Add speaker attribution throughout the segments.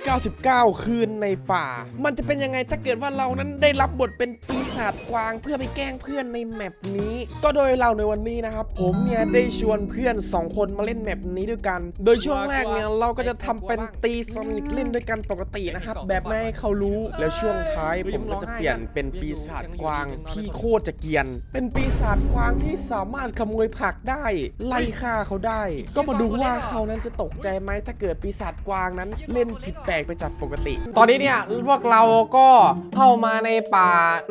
Speaker 1: 99 คืนในป่ามันจะเป็นยังไงถ้าเกิดว่าเรานั้นได้รับบทเป็นปีศาจกวางเพื่อไปแกล้งเพื่อนในแมปนี้ก็โดยเราในวันนี้นะครับผมเนี่ยได้ชวนเพื่อน2คนมาเล่นแมปนี้ด้วยกันโดยช่วงแรกเนี่ยเราก็จะทำเป็นตีสนิทเล่นด้วยกันปกตินะครับแบบไม่ให้เขารู้แล้วช่วงท้ายผมก็จะเปลี่ยนเป็นปีศาจกวางที่โคตรจะเกรียนเป็นปีศาจกวางที่สามารถขโมยผักได้ไล่ฆ่าเขาได้ก็มาดูว่าเขานั้นจะตกใจไหมถ้าเกิดปีศาจกวางนั้นเล่นผิดแปลกไปจากปกติตอนนี้เนี่ยพวกเราก็เข้ามาในป่า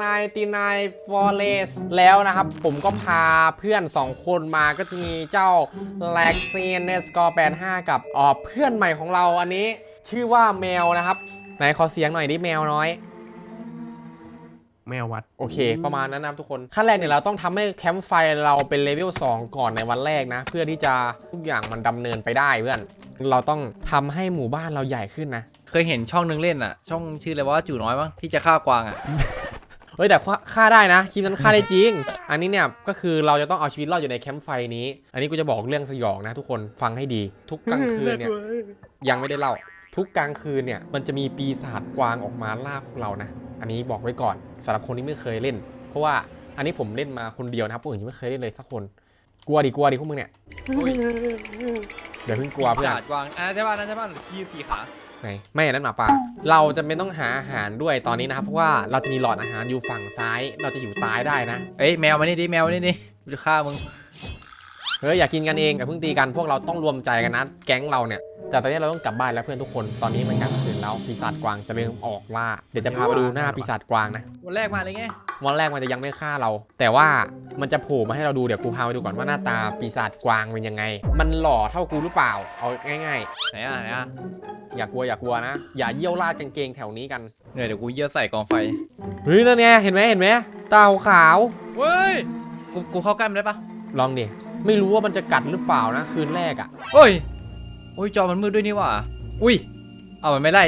Speaker 1: 99 Forest แล้วนะครับผมก็พาเพื่อน2คนมาก็จะมีเจ้า Lexin ในสกอร์85กับเพื่อนใหม่ของเราอันนี้ชื่อว่าแมวนะครับไหนขอเสียงหน่อยดิแมวน้อยแมววัดโอเคประมาณนั้นนะทุกคนขั้นแรกเนี่ยเราต้องทำให้แคมป์ไฟเราเป็นเลเวล2ก่อนในวันแรกนะเพื่อที่จะทุกอย่างมันดำเนินไปได้เพื่อนเราต้องทำให้หมู่บ้านเราใหญ่ขึ้นนะ
Speaker 2: เคยเห็นช่องนึงเล่นอ่ะช่องชื่ออะไรว่าจู่น้อยมั้งที่จะฆ่ากวางอ่ะ
Speaker 1: เฮ้ยแต่ฆ่าได้นะคลิปนั้นฆ่าได้จริงอันนี้เนี่ยก็คือเราจะต้องเอาชีวิตรอดอยู่ในแคมป์ไฟนี้อันนี้กูจะบอกเรื่องสยองนะทุกคนฟังให้ดีทุกกลางคืนเนี่ยยังไม่ได้เล่าทุกกลางคืนเนี่ยมันจะมีปีศาจกวางออกมาล่าพวกเรานะอันนี้บอกไว้ก่อนสำหรับคนที่ไม่เคยเล่นเพราะว่าอันนี้ผมเล่นมาคนเดียวนะครับผู้อื่นยังไม่เคยเล่นเลยสักคนกลัวดิพวกมึงเนี่ยเดี๋ยวเพิ่งกลัวเพื่อน
Speaker 2: กวางใช่ป่ะนั่นใช่ป่ะที่4 ขา
Speaker 1: ไหนไม่นั่นหมาป่าเราจะไม่ต้องหาอาหารด้วยตอนนี้นะครับเพราะว่าเราจะมีหลอดอาหารอยู่ฝั่งซ้ายเราจะอยู่ตายได้นะ
Speaker 2: เอ้ยแมวมานี่ดิแมวมานี่ดิกูจะฆ่ามึง
Speaker 1: เฮ้ยอยากกินกันเองอย่าเพิ่งตีกันพวกเราต้องรวมใจกันนะแก๊งเราเนี่ยแต่ตอนนี้เราต้องกลับบ้านแล้วเพื่อนทุกคนตอนนี้มันกลางคืนแล้วปีศาจกวางจะเริ่มออกล่าเดี๋ยวจะพาไปดูหน้าปีศาจกวางนะ
Speaker 2: วันแรกมาเลยไง
Speaker 1: วันแรกมันจะยังไม่ฆ่าเราแต่ว่ามันจะโผล่มาให้เราดูเดี๋ยวกูพาไปดูก่อนว่าหน้าตาปีศาจกวางเป็นยังไงมันหล่อเท่ากูหรือเปล่าเอาง่าย
Speaker 2: ๆไหนอ่ะ
Speaker 1: อย่ากลัวนะอย่าเยี่ยวราดกางเกงแถวนี้กัน
Speaker 2: เดี๋ยวกูเยี่ยวใส่กองไฟ
Speaker 1: เฮ้ยนั่นไงเห็นไหมตาขาว
Speaker 2: เฮ้ยกูเข้าใกล้มันได้ปะ
Speaker 1: ลองดิไม่รู้ว่ามันจะกัดหรือเปล่านะคืนแรกอ่ะ
Speaker 2: โอ้ยจอมันมืดด้วยนี่ว่ะอุ้ยเอามันไม่ไล่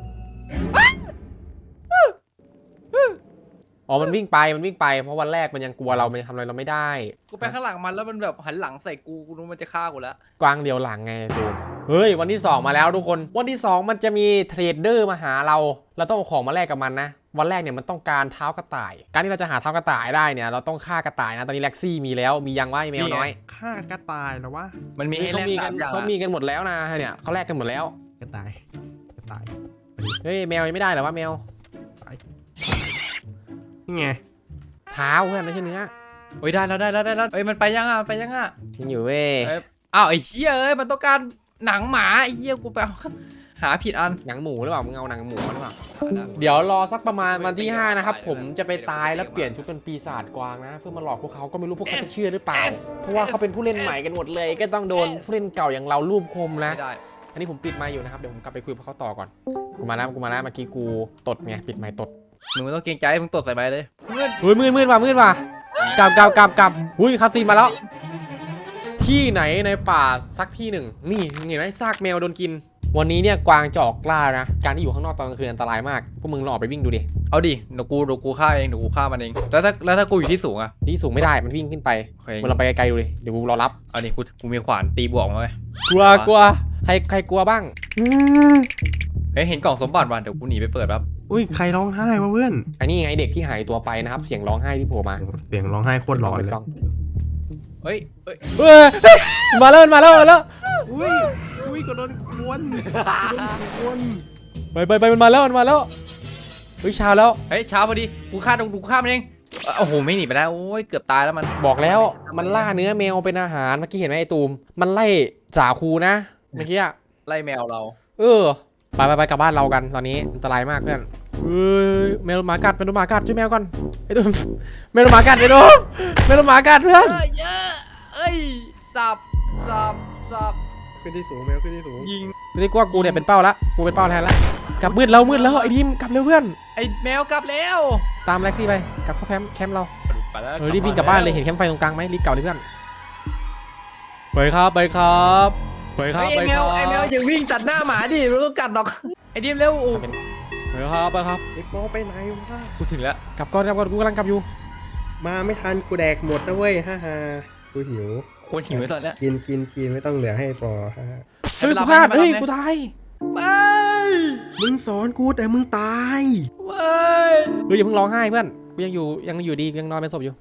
Speaker 1: อ๋อมันวิ่งไปเพราะวันแรกมันยังกลัวเรามันทำอะไรเราไม่ได้
Speaker 2: กูไปข้างหลังมันแล้วมันแบบหันหลังใส่กูรู้มันจะฆ่ากูแล้ว
Speaker 1: กวางเดียวหลังไงตูนเฮ้ยวันที่2มาแล้วทุกคนวันที่2มันจะมีเทรดเดอร์มาหาเราต้องเอาของมาแลกกับมันนะวันแรกเนี่ยมันต้องการเท้ากระต่ายการที่เราจะหาเท้ากระต่ายได้เนี่ยเราต้องฆ่ากระต่ายนะตอนนี้แล็กซี่มีแล้วมียังว่าแมวน้อย
Speaker 3: ฆ่ากระต่ายหรอวะ
Speaker 2: มันมีให้แลก
Speaker 1: เขามีกันหมดแล้วนะเนี่ยเขาแลกกันหมดแล้ว
Speaker 3: กระต่าย
Speaker 1: เฮ้ยแมวยังไม่ได้หรอวะแมว
Speaker 3: นี่ไง
Speaker 1: เท้าเพื่อนไม่ใช่เนื้อ
Speaker 2: โอ้ยได้แล้วเอ้ยมันไปยังอ่ะ
Speaker 1: ยังอยู่เว้ย
Speaker 2: อ้าวไอ้เหี้ยเอ้ยมันต้องการหนังหมาไอ้เหี้ยกูไปหาผิดอัน
Speaker 1: หนังหมูหรือเปล่ามึงเอาหนังหมูหรือเปล่าเดี๋ยวรอสักประมาณวันที่5นะครับผมจะไปตายแล้วเปลี่ยนชุดเป็นปีศาจกวางนะเพื่อมาหลอกพวกเขาก็ไม่รู้พวกเขาจะเชื่อหรือเปล่าเพราะว่าเขาเป็นผู้เล่นใหม่กันหมดเลยก็ต้องโดนผู้เล่นเก่าอย่างเรารูปคมนะอันนี้ผมปิดไมค์อยู่นะครับเดี๋ยวผมกลับไปคุยกับเขาต่อก่อนกูมาแล้วเมื่อกี้กูตดไงปิดไมค์ตด
Speaker 2: มึงไม่ต้องเกรงใจมึงตดใส่ไมค์เลย
Speaker 1: มืดว่ะกลับหุ้ยคาซีมาแล้วที่ไหนในป่าสักที่หนึ่งนี่เห็นไหมซากแมวโดนกินวันนี้เนี่ยกวางจะออกล่านะการที่อยู่ข้างนอกตอนกลางคืนอันตรายมากพวกมึงลองออกไปวิ่งดูดิ
Speaker 2: เอาดิเดี๋ยวกูฆ่าเองเดี๋ยวกูฆ่ามันเองแล้วถ้ากูอยู่ที่สูงอะ
Speaker 1: ที่สูงไม่ได้มันวิ่งขึ้นไปมึงลองไปไกลๆดูดิเดี๋ยวกูรอรับ
Speaker 2: เอาดิกูมีขวานตีบวกมาไหม
Speaker 1: กลัวใครกลัวบ้าง
Speaker 2: เฮ้ยเห็นกล่องสมบัติว่ะเดี๋ยวกูหนีไปเปิดครับ
Speaker 3: อุ้ยใครร้องไห้วะเพื่อน
Speaker 1: อันนี้ไงเด็กที่หายตัวไปนะครับเสียงร้องไห้ที่โผล่มา
Speaker 3: เสียงร้องไห้โคตรหลอนเลย
Speaker 2: เฮ้ย
Speaker 1: มาแล้ว
Speaker 3: อุ้ยก็โดนควน
Speaker 1: ไปมันมาแล้วเฮ้ยเช้าแล้ว
Speaker 2: เฮ้ยเช้าพอดีกูฆ่ามันเองโอ้โหไม่หนีไปแล้วโอ้ยเกือบตายแล้วมัน
Speaker 1: บอกแล้วมันล่าเนื้อแมวเป็นอาหารเมื่อกี้เห็นไหมไอ้ตูมมันไล่จ่าครูนะเมื่อกี้
Speaker 2: ไล่แมวเรา
Speaker 1: ไปกลับบ้านเรากันตอนนี้อันตรายมากเพื่อนแมวหมากัดช่วยแมวก่อนไอ้ตูมแมวหมากัดไอ้ตูมแมวหมากัดเพื่อน
Speaker 2: เยอะสับ
Speaker 3: ขึ้นที่สูงแมวขึ้นที่สูง
Speaker 2: ยิง
Speaker 1: ไม่ได้กลัวกูเนี่ยเป็นเป้าละกูเป็นเป้าแทนละกลับมืดแล้วไอ้ทีมกลับเร็วเพื่อน
Speaker 2: ไอ้แมวกลับแล้ว
Speaker 1: ตามแล็กซี่ไปกลับเข้าแคมป์เรารีบวิ่งกลับบ้านเลยเห็นแคมป์ไฟตรงกลางไหมรีบเก่าเลยเพื่อนไปครับไอ้
Speaker 2: แมวอย่าวิ่งตัดหน้าหมาดิมันต้องกัดหรอกไอ้ทีมเร็ว
Speaker 1: ไปครับ
Speaker 3: ไอ้โป๊ไปไหนวะ
Speaker 2: กูถึงแล้ว
Speaker 1: กลับก่อนกูกำลังกลับอยู่
Speaker 3: มาไม่ทันกูแดกหมดนะเว้ยฮ่ากูหิว
Speaker 2: คนหิวตอนนี้
Speaker 3: กินไม่ต้องเหลือให้พอ
Speaker 1: เฮ้ยกูพลาดกูตาย
Speaker 2: ไป
Speaker 3: มึงสอนกูแต่มึงตาย
Speaker 2: ไม่
Speaker 1: เฮ้ยอย่าเพิ่งร้องไห้เพื่อนกูยังอยู่ดียังนอนเป็นศพอยู่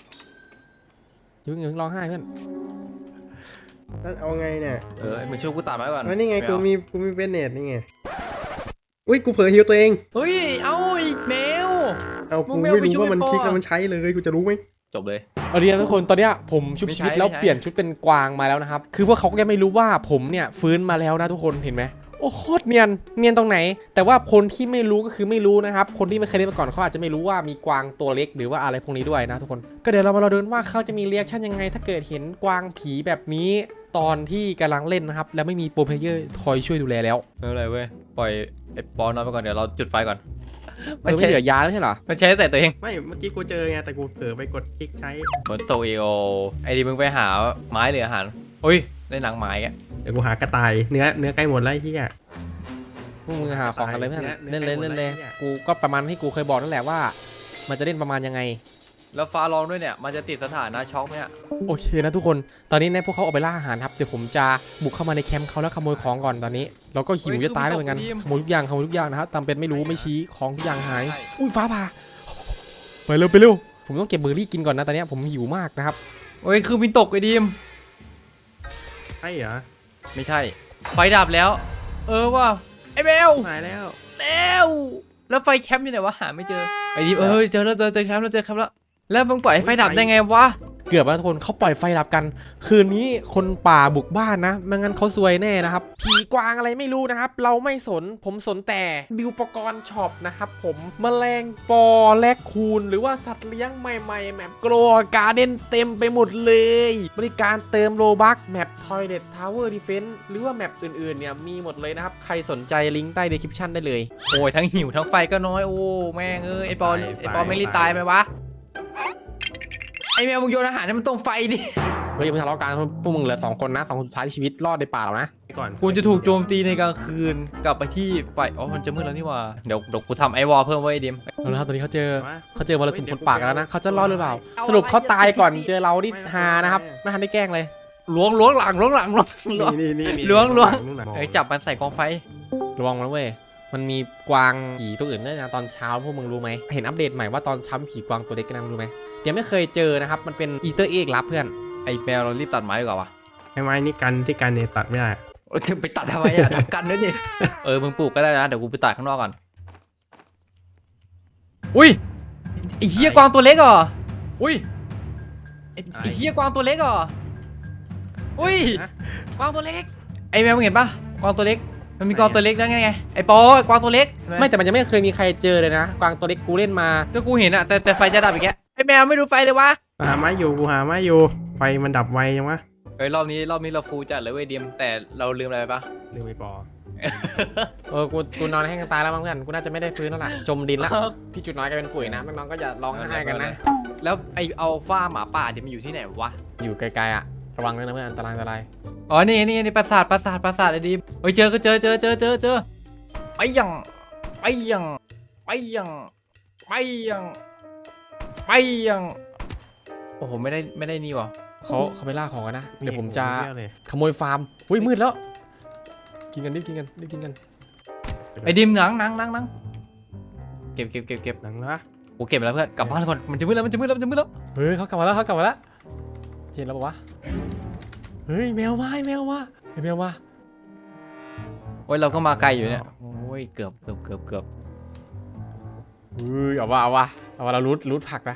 Speaker 1: อย่าเพิ่งร้องไห้เพื่อน
Speaker 3: แล้วเอาไงเนี่ย
Speaker 2: มึงช่วยกูตัดไม้ก่อน
Speaker 3: นี่ไงกูมีเบนเนตนี่ไงอุ้ยกูเผลอฮิวตัวเอง
Speaker 2: เฮ้ยเอาอีกแมว
Speaker 3: เอา
Speaker 2: มึ
Speaker 3: กู
Speaker 2: ง
Speaker 3: ไม่
Speaker 2: ไม่เอาไป
Speaker 3: รู้
Speaker 2: ช่วย
Speaker 3: ว่ามัน
Speaker 2: พ่อ
Speaker 3: คลิกแล้วมันใช้เลยกูจะรู้ไหม
Speaker 2: จบเลย
Speaker 1: เอาดีนะทุกคนตอนเนี้ยผมชุบ
Speaker 2: ไม่
Speaker 1: ชี
Speaker 2: ใช่
Speaker 1: วิตแล้ว
Speaker 2: ไม่ใช่
Speaker 1: เปลี่ยนชุดเป็นกวางมาแล้วนะครับคือพวกเขาก็ยังไม่รู้ว่าผมเนี่ยฟื้นมาแล้วนะทุกคนเห็นไหมโอ้โคตรเนียนตรงไหน แต่ว่าคนที่ไม่รู้ก็คือไม่รู้นะครับคนที่ไม่เคยเล่นมาก่อนเขาอาจจะไม่รู้ว่ามีกวางตัวเล็กหรือว่าอะไรพวกนี้ด้วยนะทุกคนก็เดี๋ยวเรามาดูว่าเขาจะมีเรีแอคชั่นยังไง ถ้าเกิดเห็นกวางผีแบบนี้ตอนที่กำลังเล่นนะครับแล้วไม่มีโปรเพลเยอร์คอยช่วยดูแลแล้ว
Speaker 2: ไม่เป็นไรเว้ยปล่อยไอ้ปอนนอนไปก่อนเดี๋ยวเราจุดไฟก่อน
Speaker 1: มันไม่เหลือยาแล้วใช่เหรอ
Speaker 2: มันใช้แต่ตัวเอง
Speaker 3: ไม่เมื่อกี้กูเจอไงแต่กูเผลอไปกดคลิกใช้
Speaker 2: ฝนตกอีโอไอ้ดิมึงไปหาไม้หรืออาหารอุ้ยได้หนังไม้แก
Speaker 3: เดี๋ยวกูหากระต่ายเนื้อใกล้หมดแล้วไอ้เหี้ย
Speaker 1: พวกมึงหาของกันเลยเพื่อน
Speaker 3: เนี่ย
Speaker 1: เล่นเลย
Speaker 3: เนี่ย
Speaker 1: เล่นเลย
Speaker 3: เนี่ย
Speaker 1: กูก็ประมาณที่กูเคยบอกนั่นแหละว่า มันจะเล่นประมาณยังไง
Speaker 2: แล้วฟ้าร้องด้วยเนี่ยมันจะติดสถานะช็อกไหมอะ
Speaker 1: โอเคนะทุกคน ตอนนี้เนี่ยพวกเขาออกไปล่าอาหารครับ เดี๋ยวผมจะบุกเข้ามาในแคมป์เขาแล้วขโมยของก่อนตอนนี้ เราก็หิวจะตายแล้วเหมือนกัน ขโมยทุกอย่างนะครับตามเป็นไม่รู้ไม่ชี้ของทุกอย่างหาย อุ้ยฟ้าผ่าไปเร็ว ผมต้องเก็บเบอร์รี่กินก่อนนะตอนนี้ผมหิวมากนะครับ
Speaker 2: โอ้ยคือมินตกไอ้ดิม
Speaker 3: ใช่เหรอ
Speaker 2: ไม่ใช่ไฟดับแล้ว ว่าไอ้แมว
Speaker 3: หายแล้ว
Speaker 2: แล้วไฟแคมป์อยู่ไหนวะหาไม่เจอไอ้ดิมเจอแล้วเจอแคมป์แล้วแล้วมึงปล่อยให้ไฟดับได้ไงวะ
Speaker 1: เกือบแล้วทุกคนเขาปล่อยไฟดับกัน คืนนี้คนป่าบุกบ้านนะไม่งั้นเขาซวยแน่นะครับผีกวางอะไรไม่รู้นะครับ เราไม่สนผมสนแต่บิวปกรณ์ช็อปนะครับผมแมลงปอแลกคูนหรือว่าสัตว์เลี้ยงใหม่ๆแมปโกลการ์เด้นเต็มไปหมดเลย บริการเติมโลบัคแมปทอยเลททาวเวอร์ดิเฟนส์หรือว่าแมปอื่นๆเนี่ยมีหมดเลยนะครับใครสนใจลิงก์ใต้เดสคริปชั่นได้เลย
Speaker 2: โอ้ยทั้งหิวทั้งไฟก็น้อยโอ้แม่งไอ้ปอนไม่รีบตายไหมวะไอ้แมวมึงโยนอาหารให้มันตรงไฟดิ
Speaker 1: เฮ้ยอย่าเพิ่งทะเลาะกันพวกมึงเหลือ2 คนนะ2 คนสุดท้ายที่ชีวิตรอดในป่าแล้วนะ
Speaker 3: ก่อน
Speaker 2: กูจะถูกโจมตีในกลางคืนกลับไปที่ไฟมันจะมืดแล้วนี่หว่าเดี๋ยวกูทำไอวอลเพิ่มไว้ไอ้ดิม
Speaker 1: เอาละครับตอนนี้เขาเจอมรสุมคนป่ากันแล้วนะเขาจะรอดหรือเปล่า สรุปเขาตายก่อนเจอเราดิฮานะครับไม่ทันได้แกล้งเลย
Speaker 2: ล้วงหลัง
Speaker 3: นี่
Speaker 2: ล้วง จับมันใส่กองไฟ
Speaker 1: ระวังนะเว้ยมันมีกวางผีตัวอื่นด้วยนะตอนเช้าพวกมึงรู้ไหมเห็นอัปเดตใหม่ว่าตอนเช้าผีกวางตัวเล็กกันนะรู้ไหมยังไม่เคยเจอนะครับมันเป็นอีสเตอร์เอ็กลับเพื่อน
Speaker 2: ไอ้แมวเรารีบตัดไม้ดีกว่าวะ
Speaker 3: ไอ้ไม้นี่กันที่กันเนี่ยตัดไม่ได้
Speaker 2: จะไปตัดทำไมอะทำกันด้วยนี่มึงปลูกก็ได้นะเดี๋ยวกูไปตัดข้างนอกก่อนอุ้ยไอ้เหี้ยกวางตัวเล็กเหรออุ้ยไอ้เหี้ยกวางตัวเล็กเหรออุ้ย กวางตัวเล็กไอ้แมวมึงเห็นปะกวางตัวเล็กมันมีกวางตัวเล็กได้ไงไอ้ปอกวางตัวเล็ก
Speaker 1: ไม่แต่มันยังไม่เคยมีใครเจอเลยนะกวางตัวเล็กกูเล่นมา
Speaker 2: ก็กูเห็นอะแต่ไฟจะดับอีกแกไอ้แมวไม่ดูไฟเลยวะ
Speaker 3: หาไม้อยู่กูหาไม้อยู่ไฟมันดับไวยังวะ
Speaker 2: รอบนี้เราฟูจัดเลยเว้ยเดียมแต่เราลืมอะไรไปปะ
Speaker 3: ลืมไปปอ
Speaker 1: กูนอนแห้งตายแล้วมั้งเพื่อนกูน่าจะไม่ได้ฟื้นแล้วล่ะจมดินละพี่จุดน้อยก็เป็นฝุ่ยนะน้องๆก็อย่าร้องไห้กันนะ
Speaker 2: แล้วไออัลฟาหมาป่าเดี๋ยวมันอยู่ที่ไหนวะ
Speaker 1: อยู่ไกลๆอะระวังด้วยนะเพื่อนอันตราย
Speaker 2: อ๋อนี่ปราสาทไอ้ดิมเฮ้ยเจอไปยังโอ้โหไม่ได้นี่วะ
Speaker 1: เขาไปล่าของกันนะเดี๋ยวผมจะขโมยฟาร์มอุ้ยมืดแล้วกินกันรีบกินกัน
Speaker 2: ไอ้ดิมหนังเก็บ
Speaker 3: หนังละ
Speaker 2: โอ้เก็บไปแล้วเพื่อนกลับบ้านก่อนมันจะมืดแล้ว
Speaker 1: เฮ้ยเขากลับมาแล้วเจนแล้วบอกว่าเฮ้ยแมวมาไอ้แมวมา
Speaker 2: โอ้ยเราก็มาไกลอยู่เนี่ยโอ้ยเกือบ
Speaker 1: เฮ้ยเอาว่าเรารูทผักนะ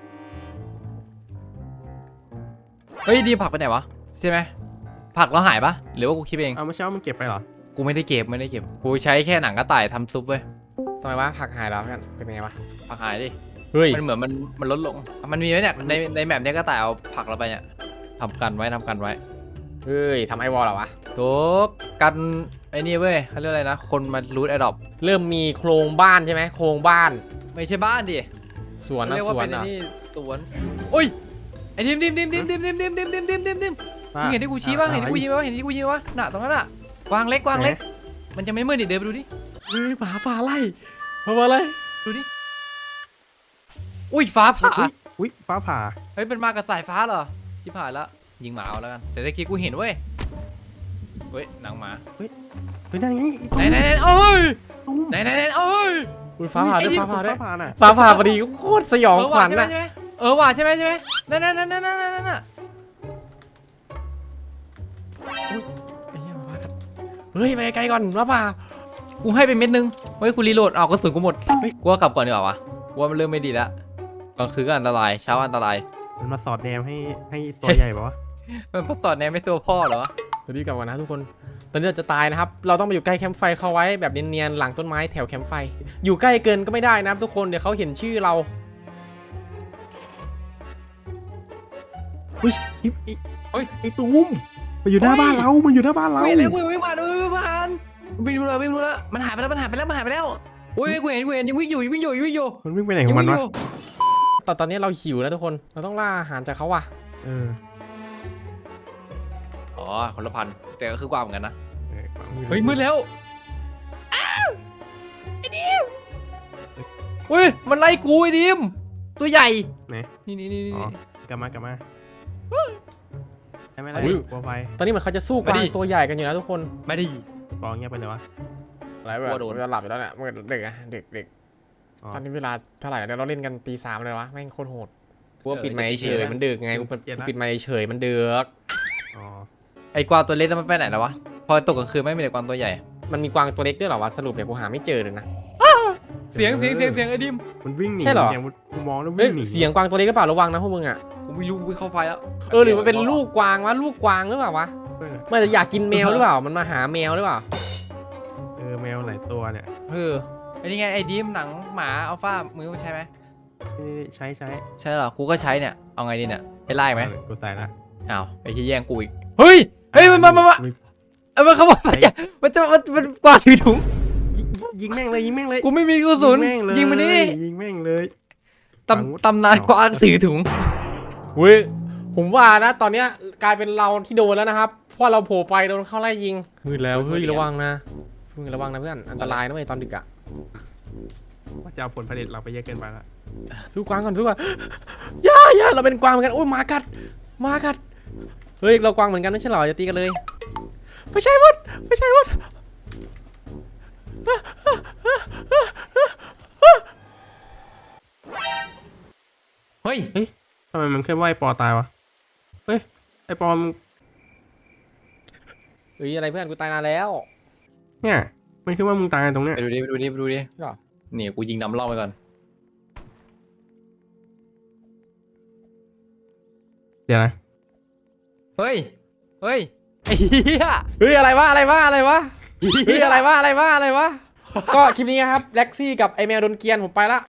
Speaker 2: เฮ้ยดีผักไปไหนวะใช่ไหมผักเราหายปะหรือว่ากูคิดเอง
Speaker 3: เอาเมื่อเช้ามันเก็บไปเหรอ
Speaker 2: กูไม่ได้เก็บกูใช้แค่หนังกระต่ายทำซุปเว้ย
Speaker 1: ทำไมวะผักหายแล้วกันเป็นไงวะ
Speaker 2: ผักหายดิ
Speaker 1: เฮ้ย
Speaker 2: มันเหมือนมันลดลงมันมีไหมเนี่ยในแมปเนี้ยกระต่ายเอาผักเราไปเนี่ยทำกันไว้
Speaker 1: เฮ้ยทำไอวอลเหรอวะ
Speaker 2: ทุกกันไอ้นี่เว้ยเขาเรียกอะไรนะคนมารูทแอดดอป
Speaker 1: เริ่มมีโครงบ้านใช่ไหมโครงบ้าน
Speaker 2: ไม่ใช่บ้านดิ
Speaker 1: สวนนะ
Speaker 2: เรียก
Speaker 1: ส
Speaker 2: ว่า
Speaker 1: วน
Speaker 2: เป็นไอ้
Speaker 1: อ่ะ
Speaker 2: นี่สวนโอ้ยไอ้ดิมมึงเห็นที่กูชี้ป่ะเห็นที่กูยิงป่ะน่ะตรงนั้นน่ะกวางเล็กมันจะไม่มืดดิเดินไปดูดิ
Speaker 1: เฮ้ยหมาป่าไล่มาไล่
Speaker 2: ดูดิอุ้ยฟ้าผ่า
Speaker 3: อุ้ยฟ้าผ่า
Speaker 2: เฮ้ยเป็นมากับสายฟ้าเหรอชิบหายแล้วยิงหมาเอาแล้วกันแต่ตะกี้กูเห็นเว้ยหนังหมา
Speaker 3: เฮ้ยนั่นไง
Speaker 2: ไหนโอ้ย
Speaker 3: ตุ้ม
Speaker 2: ไหนเอ้ย
Speaker 1: อุ้ยฟ้าผ่าด้วยฟ้าผ่าด้วย
Speaker 3: ฟ้าผ่าน่ะ
Speaker 1: ฟ้าผ่าพอดีโคตรสยองขวัญ
Speaker 2: ใช่ไหม
Speaker 1: นะ
Speaker 2: ใช่ไหมว่ะใช่ไหมนั่น
Speaker 1: ไอ้เหี้ยมาเฮ้ยไปไกลก่อนฟ้าผ่า
Speaker 2: กูให้ไปเม็ดนึงเฮ้ยกูรีโหลดเอากระสุนกูหมดกูว่ากลับก่อนดีกว่าวะกูว่ามันเริ่มไม่ดีแล้วกลางคืนก็อันตรายเช้าอันตราย
Speaker 3: มันมาสอดแนมให้ตัวใหญ่ปะวะ
Speaker 2: มันพัสดแนมไม่ตัวพ่อเหรอ
Speaker 1: เดี๋ยวรีบกลับก่อนนะทุกคนตอนนี้เราจะตายนะครับเราต้องไปอยู่ใกล้แคมป์ไฟเขาไว้แบบเนียนๆหลังต้นไม้แถวแคมป์ไฟอยู่ใกล้เกินก็ไม่ได้นะครับทุกคนเดี๋ยวเขาเห็นชื่อเรา
Speaker 3: อุ้ยไอ้ตูมมันอยู่หน้าบ้านเรามันอยู่หน้าบ้านเรา
Speaker 2: เว้ยแล้วกูไม่ผ่านวิ่งดูแล้วมันหายไปแล้วโอ้ยกูเห็นยังวิ่งอยู่
Speaker 3: มันวิ่งไปไหนของมันวะ
Speaker 1: แต่ตอนนี้เราหิวแล้วทุกคนเราต้องล่าอาหารจากเขาว่ะ
Speaker 3: เออ
Speaker 2: อ๋อคนละพันแต่ก็คือกว่าเหมือนกันนะ
Speaker 3: เออ
Speaker 2: เฮ้ยมืดแล้วเฮ้ยมันไล่กูไอ้ดิมตัวใหญ่
Speaker 3: ไหน
Speaker 2: นี่
Speaker 3: อ๋อกลับมาใช่ไหมล่ะกลัวไฟ
Speaker 1: ตอนนี้เหมือนเขาจะสู้กวางตัวใหญ่กันอยู่นะทุกคน
Speaker 2: ไม่ได้
Speaker 3: ปองเงียบไปเลยวะ
Speaker 1: อะไรแบบจะหลับอยู่แล้วเนี่ยเมื่อเด็กอะเด็ก
Speaker 3: อ๋อ
Speaker 1: ตอนนี้เวลาเท่าไหร่แล้วเราเล่นกันตี 3เลยวะแม่งโคตรโหดกูว่าปิดไมค์เฉยมันดึกไงกูปิดไมค์เฉยมันดึก
Speaker 3: อ๋อ
Speaker 2: ไอ้กวางตัวเล็กมันไปไหนแล้ววะพอตกกลางคืนไม่มีแต่กวางตัวใหญ่
Speaker 1: มันมีกวางตัวเล็กด้วยเหรอวะสรุปเนี่ยกูหาไม่เจอเลยนะ
Speaker 2: เสียงไอ้ดิม
Speaker 3: มันวิ่งหนี
Speaker 1: ใช่เหรอ
Speaker 3: ย่างกูมองแล้ว
Speaker 1: เฮ้ย
Speaker 3: วิ่งหนี
Speaker 1: เสียงกวางตัวเล็กหรือเปล่าระวังนะพวกมึงอะ
Speaker 2: กูไม่รู้กูเข้าไฟแล้ว
Speaker 1: หรือมันเป็นลูกกวางวะลูกกวางหรือเปล่าวะ
Speaker 3: เออ
Speaker 1: มันจะอยากกินแมวหรือเปล่ามันมาหาแมวหรือเปล่า
Speaker 3: แมวหลายตัวเนี่ย
Speaker 1: เออ
Speaker 2: ไอ้นี่ไงไอ้ดิมหนังหมาอัลฟามึงต้องใช้ไหม
Speaker 3: นี่ใช้
Speaker 2: ใช่เหรอกูก็ใช้เนี่ยเอาไงดีเนี่ยให้ไล่ไหม
Speaker 3: กูใส่ละ
Speaker 2: อ้าวไอ้ที่แย่งกูอีกเฮ้ยมันมันเขาบอกมันกวาดถือถุง
Speaker 3: ยิงแม่งเลย
Speaker 2: กูไม่มีกระสุนยิงมันนี่
Speaker 3: ยิงแม่งเลย
Speaker 2: ตำนานกวางถือถุง
Speaker 1: เว้ยผมว่านะตอนเนี้ยกลายเป็นเราที่โดนแล้วนะครับเพราะเราโผล่ไปโดนเข้าไล่ยิงมืดแล้วเฮ้ยระวังนะเพื่อนอันตรายนะเว้ยตอนดึกอะ
Speaker 3: ว่าจะเอาผลผลิตเราไปเยอะเกินไปละ
Speaker 1: สู้กวางก่อนสู้กวางอย่าเราเป็นกวางเหมือนกันโอ้ยหมากัดเฮ้ยเรากวางเหมือนกันไม่ใช่เหรอจะตีกันเลยไม่ใช่มด
Speaker 2: เฮ้ย
Speaker 3: ทำไมมันเคลื่อนไหวปอตายวะเฮ้ยไอปอม
Speaker 1: เฮ้ยอะไรเพื่อนกูตายนานแล้ว
Speaker 3: เนี่ยมันคือว่ามึงตายตรงเนี้ย
Speaker 2: ไปดูดินี่กูยิงนำล่อไปก่อน
Speaker 3: เดี๋ยวนะ
Speaker 2: เฮ้ยไอ้เหี้ย
Speaker 1: เฮ้ยอะไรวะเฮ้ยอะไรวะก็คลิปนี้ครับแล็กซี่กับไอแมวโดนเกียนผมไปละ